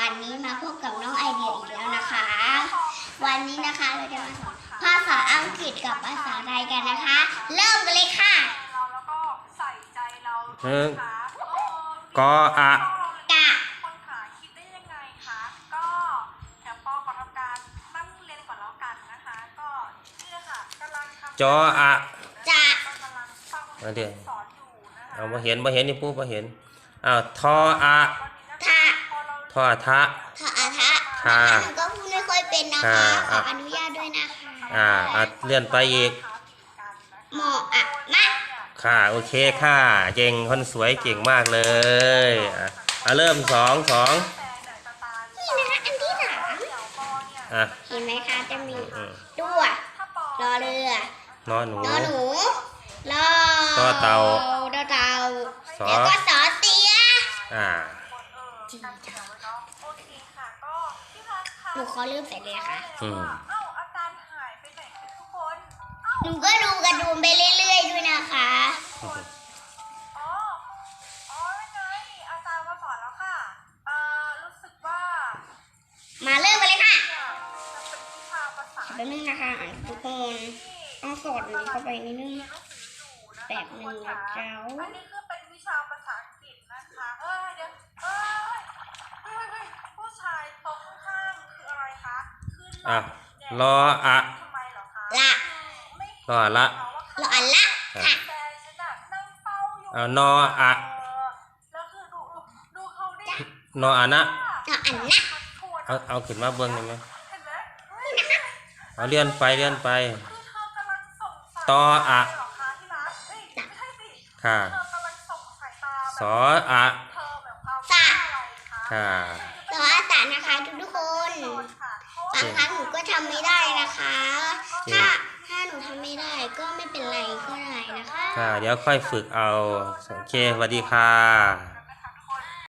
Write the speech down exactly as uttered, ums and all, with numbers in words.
วันนี้มาพบกับน้องไอเดียอีกแล้วนะคะ วันนี้นะคะเราจะมาสอนภาษาอังกฤษกับภาษาไทยกันนะคะ เริ่มกันเลยค่ะหนึ่งกออะกะคนขาคิดได้ยังไงคะก็เดี๋ยวปอขอทำการตั้งเรียนก่อนแล้วกันนะคะก็นี่ค่ะกำลังทำจออะจะกำลังฟังมาเดี๋ยวสอนอยู่นะคะเอามาเห็นมาเห็นนี่ปุ๊บมาเห็นอ้าวทออะทะทอทะทะอาทะค่ะหนูก็พูดไม่ค่อยเป็นนะคะ ขออนุญาตด้วยนะคะอ่าอ่ะเลื่อนไปอีกหมออะมะค่ะโอเคค่ะเก่งคนสวยเก่งมากเลยอ่ะอ่ะเริ่มสองสองนี่นะคะอันที่สามอ่ะเห็นไหมคะจะมีอืมด้วรอเรือนอนหนูนอหนูรอต่อเต่าต่อเต่าสอแล้วก็สอเสียอ่าจีจ้ะโอเคค่ะก็พี่พักค่ะหนูขอเริ่มใส่เลยนะคะอืมเอ้าอาจารย์หายไปไหนคะทุกคนหนูก็ดูกระดูมไปเรื่อยๆด้วยนะคะอ๋ออ๋อไงอาจารย์มาสอนแล้วค่ะเอ่อรู้สึกว่ามาเริ่มกันเลยค่ะเนี่ยจะเป็นวิชาภาษาแป๊บนึงนะคะทุกคนต้องสอดนี้เข้าไปนิดนึง แบบหนึ่งนะเจ้าอันนี้คือเป็นวิชาภาษาอังกฤษนะคะเอ้ยเดี๋ยวเอ้ยเฮ้ยเฮ้ยผู้ชายตรงข้างคืออะไรคะคือหล่อ่ะแดดรออะทำไมเหรอคะละไม่รอละรออันละค่ะแฟนฉันน่ะนั่งเฝ้าอยู่เอานออะเออแล้วคือดูดูเขาดินออะนะรออันนะเอาเอาขึ้นมาเบิ้งได้ไหมเห็นไหมเฮ้ยเอาเลื่อนไปเลื่อนไปคือเธอกำลังส่งสายต่ออะเหรอคะที่รักเฮ้ยไม่ใช่สิค่ะเธอกำลังส่งสายตาสแบบออะเธอแบบความว่าอะไรคะค่ะรออาสานะคะทุกๆคน บางครั้งหนูก็ทำไม่ได้นะคะ ถ้าถ้าหนูทำไม่ได้ก็ไม่เป็นไรก็ได้นะคะค่ะ เดี๋ยวค่อยฝึกเอา โอเคสวัสดีค่ะ